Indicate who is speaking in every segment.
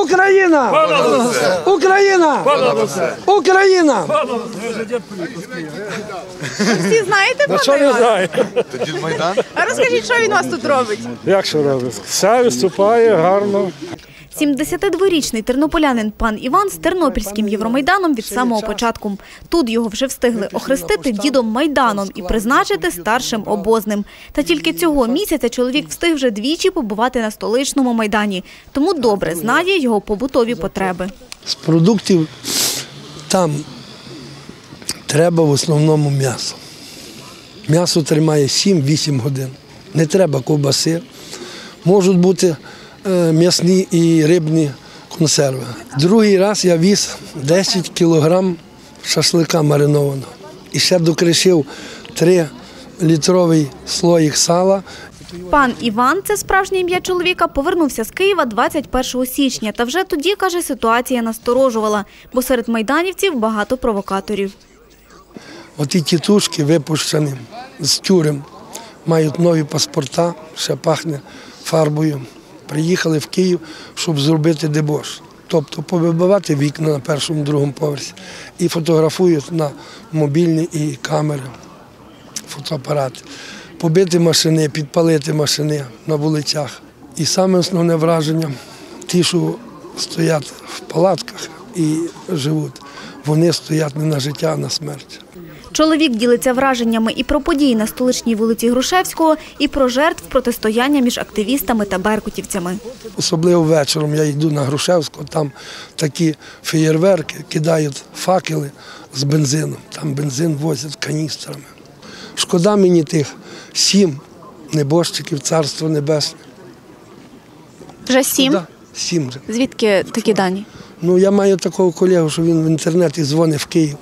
Speaker 1: Україна! Україна! Україна!
Speaker 2: Всі знаєте про Івана?
Speaker 3: Дід Майдан?
Speaker 2: А розкажіть, що він у вас тут робить?
Speaker 4: Як що робить? Все виступає гарно.
Speaker 2: 72-річний тернополянин пан Іван з Тернопільським Євромайданом від самого початку. Тут його вже встигли охрестити дідом Майданом і призначити старшим обозним. Та тільки цього місяця чоловік встиг вже двічі побувати на столичному Майдані. Тому добре знає його побутові потреби.
Speaker 1: З продуктів там треба в основному м'ясо. М'ясо тримає 7-8 годин. Не треба ковбаси. Можуть бути м'ясні і рибні консерви. Другий раз я віз 10 кілограм шашлика маринованого. І ще докришив 3-літровий слоїк сала.
Speaker 2: Пан Іван, це справжнє ім'я чоловіка, повернувся з Києва 21 січня. Та вже тоді, каже, ситуація насторожувала, бо серед майданівців багато провокаторів.
Speaker 1: Оті тітушки випущені з тюрем, мають нові паспорта, ще пахне фарбою. Приїхали в Київ, щоб зробити дебош. Тобто повибивати вікна на першому, другому поверсі і фотографують на мобільні і камери, фотоапарати. Побити машини, підпалити машини на вулицях. І саме основне враження – ті, що стоять в палатках і живуть, вони стоять не на життя, а на смерть.
Speaker 2: Чоловік ділиться враженнями і про події на столичній вулиці Грушевського, і про жертв протистояння між активістами та беркутівцями.
Speaker 1: Особливо вечором я йду на Грушевського, там такі феєрверки, кидають факели з бензином, там бензин возять каністрами. Шкода мені тих 7 небожчиків, царство небесне.
Speaker 2: Вже 7?
Speaker 1: 7 вже.
Speaker 2: Звідки такі дані?
Speaker 1: Ну, я маю такого колегу, що він в інтернеті дзвонить в Київ.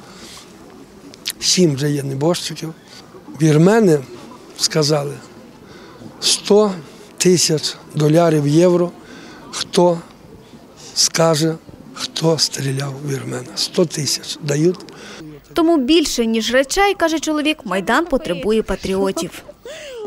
Speaker 1: 7 вже є небожчиків. Вірмени сказали 100 тисяч доларів, євро, хто скаже, хто стріляв у вірмена. 100 тисяч дають.
Speaker 2: Тому більше, ніж речей, каже чоловік, Майдан потребує патріотів.